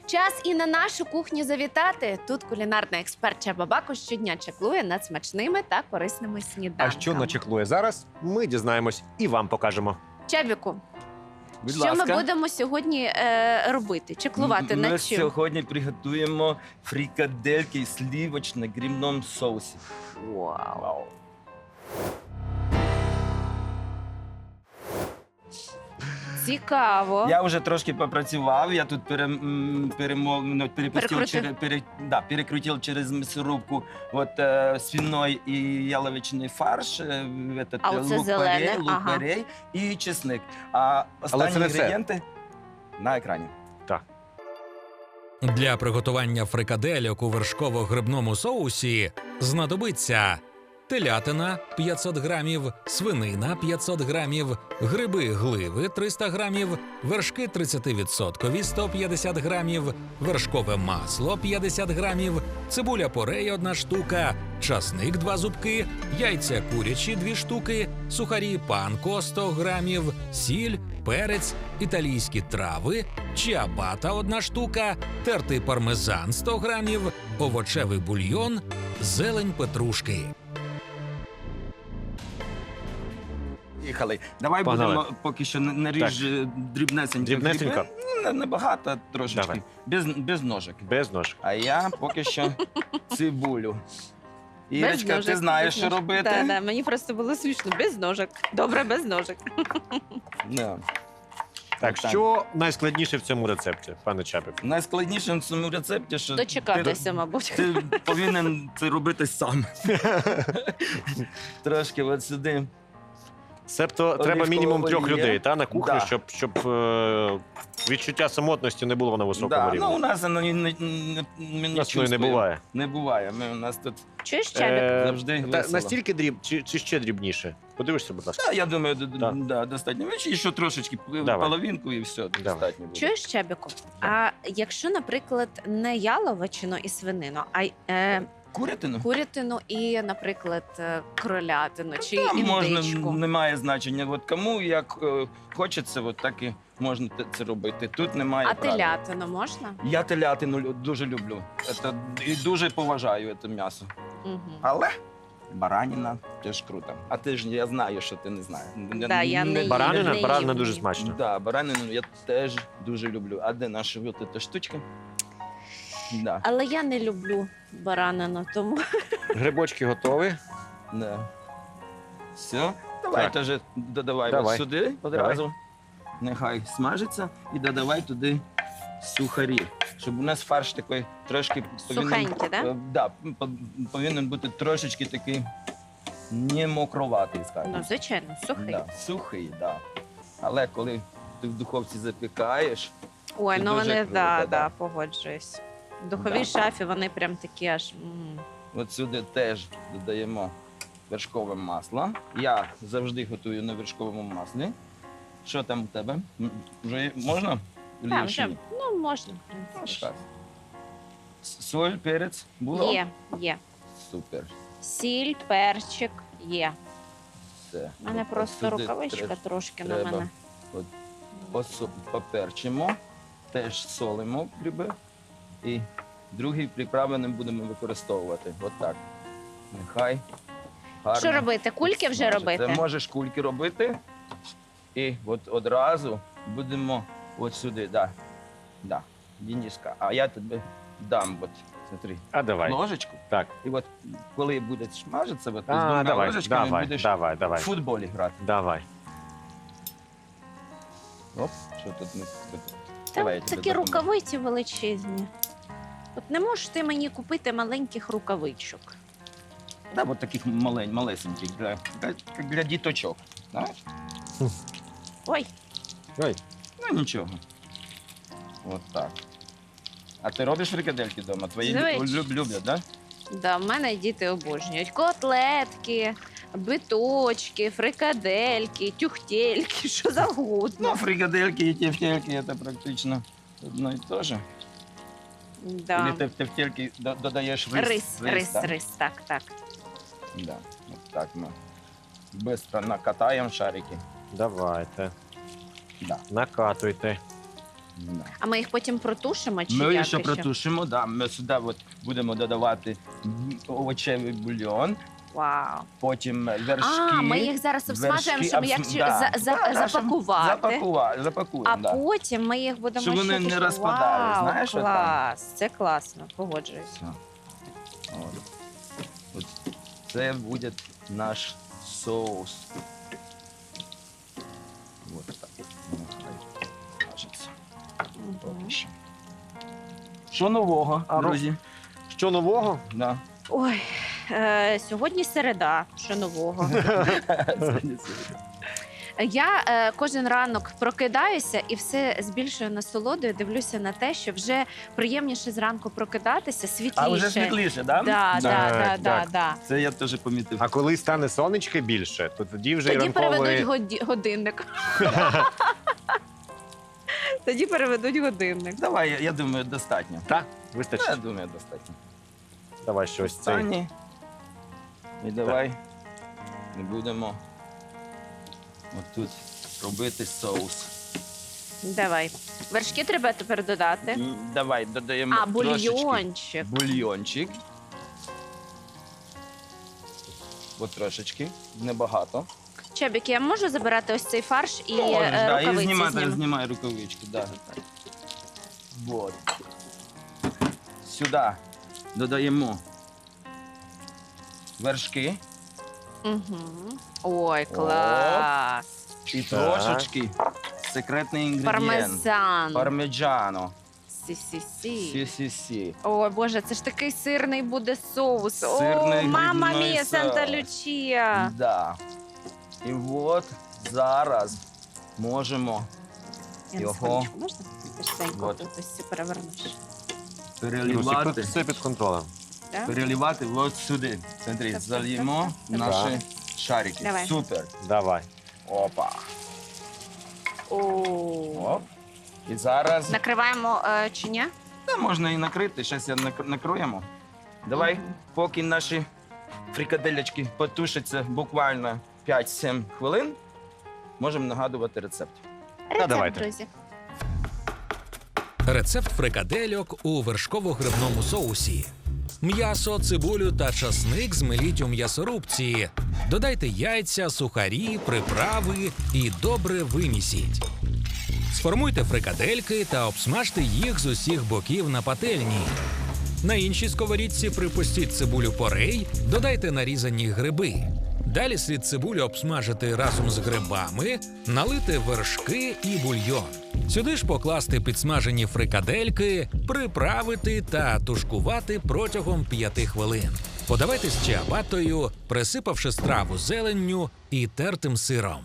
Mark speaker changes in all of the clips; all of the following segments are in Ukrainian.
Speaker 1: Час і на нашу кухню завітати. Тут кулінарний експерт Чаба Бакуш щодня чеклує над смачними та корисними сніданками.
Speaker 2: А що начеклує зараз, ми дізнаємось і вам покажемо.
Speaker 1: Чабіку,
Speaker 3: Будь
Speaker 1: що
Speaker 3: ласка.
Speaker 1: ми будемо сьогодні робити? Чеклувати
Speaker 3: Ми
Speaker 1: над чим?
Speaker 3: сьогодні приготуємо фрикадельки в сливочно-грибному соусі.
Speaker 1: Вау. Цікаво.
Speaker 3: Я вже трошки попрацював, я тут перекрутив через м'ясорубку свиной і яловичний фарш,
Speaker 1: А оце зелене, ага.
Speaker 3: лук-порей і чесник. А останні
Speaker 2: це не все.
Speaker 3: інгредієнти на екрані.
Speaker 4: Для приготування фрикадельок у вершково-грибному соусі знадобиться телятина 500 грамів, свинина 500 грамів, гриби-гливи 300 грамів, вершки 30% 150 грамів, вершкове масло 50 грамів, цибуля порей 1 штука, часник 2 зубки, яйця курячі 2 штуки, сухарі панко 100 грамів, сіль, перець, італійські трави, чіабата 1 штука, тертий пармезан 100 грамів, овочевий бульйон, зелень петрушки.
Speaker 3: Їхали. Давай
Speaker 2: Погнали.
Speaker 3: будемо поки що наріж дрібнесенько.
Speaker 2: Дрібнесенько?
Speaker 3: гриби. Небагато трошечки. Без ножик.
Speaker 2: Без нож.
Speaker 3: А я поки що цибулю.
Speaker 1: Без
Speaker 3: Ірочка,
Speaker 1: ножик,
Speaker 3: ти знаєш,
Speaker 1: без
Speaker 3: що
Speaker 1: ножик.
Speaker 3: робити?
Speaker 1: Да, мені просто було смішно. Без ножик. Добре, без ножик.
Speaker 3: Да.
Speaker 2: Так, що найскладніше в цьому рецепті, пане Чапик?
Speaker 3: Найскладніше в цьому рецепті, що
Speaker 1: Дочекатися, мабуть.
Speaker 3: ти повинен це робити сам. Трошки от сюди.
Speaker 2: Себто треба мінімум 3
Speaker 3: олія.
Speaker 2: людей на кухню,
Speaker 3: Да.
Speaker 2: щоб відчуття самотності не було на високому
Speaker 3: Да,
Speaker 2: рівні.
Speaker 3: ну, у нас воно не
Speaker 2: У нас ну, і не буває.
Speaker 3: Не буває. У нас тут
Speaker 1: Чуєш, Чабік?
Speaker 3: завжди
Speaker 2: та,
Speaker 3: весело.
Speaker 2: настільки чи ще дрібніше? Подивишся, будь ласка.
Speaker 3: Я думаю,
Speaker 2: Да.
Speaker 3: достатньо. І ще трошечки
Speaker 2: Давай.
Speaker 3: половинку і все, достатньо буде.
Speaker 1: Чуєш, Чабіку? А якщо, наприклад, не яловичину і свинину, а
Speaker 3: Курятину?
Speaker 1: курятину і, наприклад, кролятину чи
Speaker 3: Там можна,
Speaker 1: індичку?
Speaker 3: немає значення. От кому як хочеться, от так і можна це робити. Тут немає
Speaker 1: А
Speaker 3: правил.
Speaker 1: телятину можна?
Speaker 3: Я телятину дуже люблю. І дуже поважаю це м'ясо.
Speaker 1: Угу.
Speaker 3: Але бараніна теж круто. А ти ж, я знаю, що ти не знаєш.
Speaker 1: Да, я не їм.
Speaker 2: Баранина?
Speaker 1: не
Speaker 2: Баранина
Speaker 1: їм.
Speaker 2: дуже смачно.
Speaker 3: Да, баранину я теж дуже люблю. А де наша вот эта штучка? Да.
Speaker 1: Але я не люблю баранину, тому
Speaker 2: Грибочки готові.
Speaker 3: Да. Все. Давай
Speaker 2: Так.
Speaker 3: теж додавай
Speaker 2: Давай.
Speaker 3: от сюди одразу. Нехай смажиться і додавай туди сухарі. Щоб у нас фарш такий трошки
Speaker 1: Сухенький, да?
Speaker 3: Да, повинен бути трошечки такий не мокроватий, скажімо.
Speaker 1: ну, звичайно, сухий.
Speaker 3: Да, сухий, да. Але коли ти в духовці запікаєш,
Speaker 1: Ой,
Speaker 3: Це
Speaker 1: ну
Speaker 3: дуже
Speaker 1: вони,
Speaker 3: круто,
Speaker 1: да,
Speaker 3: да.
Speaker 1: погоджуюсь. В духовій
Speaker 3: Да.
Speaker 1: шафі вони прям такі аж.
Speaker 3: от сюди теж додаємо вершкове масло. Я завжди готую на вершковому маслі. Що там у тебе? Вже можна? Или
Speaker 1: Так,
Speaker 3: ще
Speaker 1: вже,
Speaker 3: ні?
Speaker 1: ну, можна, в принципі.
Speaker 3: Так. Соль, перець було?
Speaker 1: Є.
Speaker 3: Супер.
Speaker 1: Сіль, перчик є.
Speaker 3: Все.
Speaker 1: У мене
Speaker 3: От
Speaker 1: просто
Speaker 3: сюди
Speaker 1: рукавичка
Speaker 3: теж
Speaker 1: трошки на
Speaker 3: треба.
Speaker 1: мене.
Speaker 3: Поперчимо, теж солимо гриби. І другі приправи не будемо використовувати. От так. Нехай гарно.
Speaker 1: Що робити? Кульки вже
Speaker 3: смажиться.
Speaker 1: робити?
Speaker 3: Ти можеш кульки робити. І от одразу будемо от сюди, да, Дениска. А я тобі дам, от, смотри,
Speaker 2: А давай.
Speaker 3: ложечку.
Speaker 2: Так.
Speaker 3: І от коли буде смажитися, от, з
Speaker 2: А,
Speaker 3: двома
Speaker 2: давай,
Speaker 3: ложечками
Speaker 2: давай,
Speaker 3: будеш
Speaker 2: давай,
Speaker 3: в
Speaker 2: давай.
Speaker 3: футболі грати.
Speaker 2: Давай.
Speaker 3: Оп, що тут не...
Speaker 1: Там
Speaker 3: я тобі
Speaker 1: такі
Speaker 3: допоможу.
Speaker 1: рукавиці величезні. От не можеш ти мені купити маленьких рукавичок.
Speaker 3: Да, от таких малесеньких, як для діточок. Знаєш?
Speaker 1: Ой,
Speaker 2: Ой.
Speaker 3: Ну нічого. От так. А ти робиш фрикадельки вдома? Твої
Speaker 1: Звичайно.
Speaker 3: люблять, так?
Speaker 1: да, в мене діти обожнюють. Котлетки, биточки, фрикадельки, тюхтельки, що завгодно.
Speaker 3: Ну, фрикадельки і тефтельки це практично одно і те же.
Speaker 1: Да.
Speaker 3: Или ти в тефтельки додаєш рис.
Speaker 1: Рис,
Speaker 3: так?
Speaker 1: так.
Speaker 3: Да. От так ми швидко накатаємо шарики.
Speaker 2: Давайте.
Speaker 3: Да.
Speaker 2: Накатуйте.
Speaker 3: Да.
Speaker 1: А ми їх потім протушимо чи
Speaker 3: Ми
Speaker 1: як
Speaker 3: ще
Speaker 1: іще?
Speaker 3: протушимо, да. Ми сюди от будемо додавати овочевий бульйон,
Speaker 1: Вау.
Speaker 3: потім вершки.
Speaker 1: А, ми їх зараз обсмажуємо, щоб як запакувати.
Speaker 3: Запакуємо,
Speaker 1: А
Speaker 3: да.
Speaker 1: потім ми їх будемо
Speaker 3: Щоб вони
Speaker 1: ще
Speaker 3: не
Speaker 1: тушити.
Speaker 3: розпадались,
Speaker 1: Вау,
Speaker 3: знаєш, отам.
Speaker 1: клас, це класно, погоджуюсь.
Speaker 3: Все. От це буде наш соус. Вот так. Нехай смажиться. Поки що. Що нового, друзі?
Speaker 2: Що нового?
Speaker 3: Да.
Speaker 1: Ой, сьогодні середа, що нового. Я кожен ранок прокидаюся і все з більшою насолодою дивлюся на те, що вже приємніше зранку прокидатися, світліше.
Speaker 3: А вже світліше, да?
Speaker 1: Да.
Speaker 3: Це я теж помітив.
Speaker 2: А коли стане сонечки більше, то тоді вже
Speaker 1: Тоді переведуть
Speaker 2: ранковий...
Speaker 1: годинник. Тоді переведуть годинник.
Speaker 3: Давай, я думаю, достатньо.
Speaker 2: Так,
Speaker 3: Я
Speaker 2: вистачить.
Speaker 3: думаю, достатньо.
Speaker 2: Давай щось цей.
Speaker 3: Останній. І давай не будемо отут робити соус.
Speaker 1: Давай. Вершки треба тепер додати.
Speaker 3: Давай додаємо
Speaker 1: А,
Speaker 3: трошечки
Speaker 1: бульйончик.
Speaker 3: бульйончик. От трошечки, небагато.
Speaker 1: Чебік, я можу забирати ось цей фарш і
Speaker 3: Можеш, да, і
Speaker 1: рукавиці
Speaker 3: знімати,
Speaker 1: зніму?
Speaker 3: знімай рукавички. Да. Вот. Сюди додаємо вершки
Speaker 1: Угу. Ой, клас.
Speaker 3: і
Speaker 2: Так.
Speaker 3: трошечки секретний інгредієнт.
Speaker 1: Пармезан.
Speaker 3: Пармеджано.
Speaker 1: Сі-сі-сі.
Speaker 3: Сі-сі-сі.
Speaker 1: Ой, Боже, це ж такий сирний буде соус.
Speaker 3: Сирний
Speaker 1: О, мама
Speaker 3: грибний
Speaker 1: мія,
Speaker 3: соус.
Speaker 1: Санта Лючія.
Speaker 3: Да. І от зараз можемо
Speaker 1: Я на
Speaker 3: Його.
Speaker 1: секундочку, можна? Ти ж Санько,
Speaker 3: Вот.
Speaker 1: тут ось це перевернеш.
Speaker 3: переливати.
Speaker 2: Все під контролем.
Speaker 1: Да?
Speaker 3: Переливати от сюди. Смотри,
Speaker 1: Так,
Speaker 3: зальємо
Speaker 1: так,
Speaker 2: так.
Speaker 3: наші шарики.
Speaker 1: Давай.
Speaker 3: Супер.
Speaker 2: Давай.
Speaker 3: Опа.
Speaker 1: О.
Speaker 3: Оп. І зараз
Speaker 1: Накриваємо чи ні?
Speaker 3: та можна і накрити. Зараз я накроємо. Давай,
Speaker 1: Мгм.
Speaker 3: поки наші фрикаделечки потушаться буквально 5-7 хвилин, можемо нагадувати рецепт.
Speaker 1: Рецепт,
Speaker 2: давайте.
Speaker 1: друзі.
Speaker 4: Рецепт фрикадельок у вершково-грибному соусі. М'ясо, цибулю та часник змеліть у м'ясорубці. Додайте яйця, сухарі, приправи і добре вимісіть. Сформуйте фрикадельки та обсмажте їх з усіх боків на пательні. На іншій сковорідці припустіть цибулю порей, додайте нарізані гриби. Далі слід цибулю обсмажити разом з грибами, налити вершки і бульйон. Сюди ж покласти підсмажені фрикадельки, приправити та тушкувати протягом 5 хвилин. Подавайте з чиабатою, присипавши страву зеленню і тертим сиром.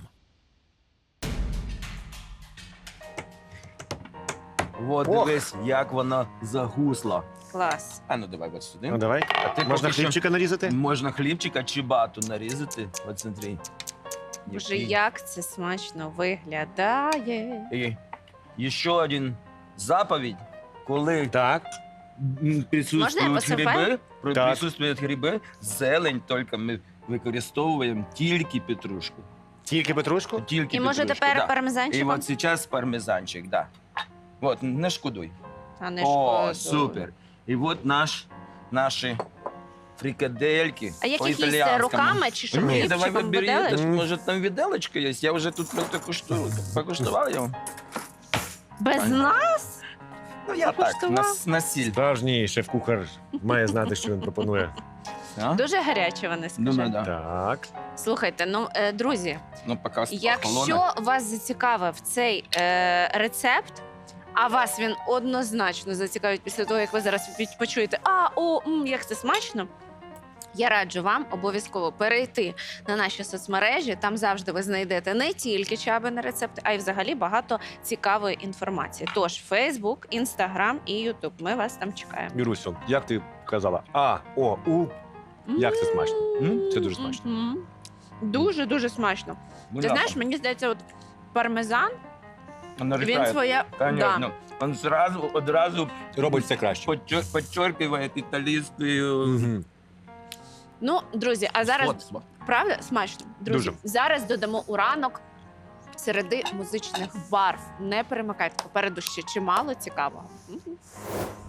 Speaker 3: От
Speaker 2: Ох.
Speaker 3: дивись, як вона загусла.
Speaker 1: Клас.
Speaker 3: А ну давай от сюди.
Speaker 2: Ну давай.
Speaker 3: А ти
Speaker 2: Можна
Speaker 3: поки що-
Speaker 2: хлібчика нарізати?
Speaker 3: Можна хлібчика чи бату нарізати. От смотри.
Speaker 1: Боже,
Speaker 3: Який.
Speaker 1: як це смачно виглядає.
Speaker 3: І ще один заповідь, коли
Speaker 2: Так.
Speaker 1: Можна я
Speaker 3: присутствують
Speaker 1: посипаю?
Speaker 3: гриби,
Speaker 2: Так.
Speaker 3: присутствують гриби, зелень тільки ми використовуємо тільки петрушку.
Speaker 2: Тільки петрушку?
Speaker 3: Тільки
Speaker 1: І може
Speaker 3: петрушку,
Speaker 1: тепер
Speaker 3: да. І
Speaker 1: пармезанчиком?
Speaker 3: от зараз пармезанчик, да. От, не шкодуй.
Speaker 1: Та не
Speaker 3: О,
Speaker 1: шкода.
Speaker 3: супер. І от наші фрикадельки
Speaker 1: А як їх їсти
Speaker 3: по-італіянському.
Speaker 1: руками чи що?
Speaker 3: Ні, давай
Speaker 1: хлібчиком,
Speaker 3: бери,
Speaker 1: виделочкою?
Speaker 3: може там віделочка є. Я вже тут просто покуштував його.
Speaker 1: Без нас?
Speaker 3: Ну я так,
Speaker 1: Покуштував?
Speaker 3: на сіль.
Speaker 2: Справжній шеф-кухар має знати, що він пропонує.
Speaker 3: А?
Speaker 1: Дуже гаряче вони, скажи.
Speaker 3: Думаю, да.
Speaker 2: Так.
Speaker 1: Слухайте, ну, друзі,
Speaker 3: Ну, поки охолоне.
Speaker 1: якщо вас зацікавив цей рецепт, а вас він однозначно зацікавить після того, як ви зараз почуєте, як це смачно, я раджу вам обов'язково перейти на наші соцмережі. Там завжди ви знайдете не тільки чабини рецепти, а й взагалі багато цікавої інформації. Тож Facebook, Instagram і YouTube. Ми вас там чекаємо.
Speaker 2: Мірусю, як ти казала? А, О, У. Як це смачно? Це дуже смачно.
Speaker 1: Мгм. Дуже-дуже смачно. Ти знаєш, мені здається, от пармезан, він своє...
Speaker 3: Конечно. Он одразу
Speaker 2: Робить все краще.
Speaker 3: подчеркиває італійською.
Speaker 2: Мгм.
Speaker 1: Ну, друзі, а зараз
Speaker 3: От.
Speaker 1: правда смачно? Друзі,
Speaker 2: Дуже.
Speaker 1: зараз додамо у ранок середи музичних барв. Не перемикайте, попереду ще чимало цікавого. Мгм.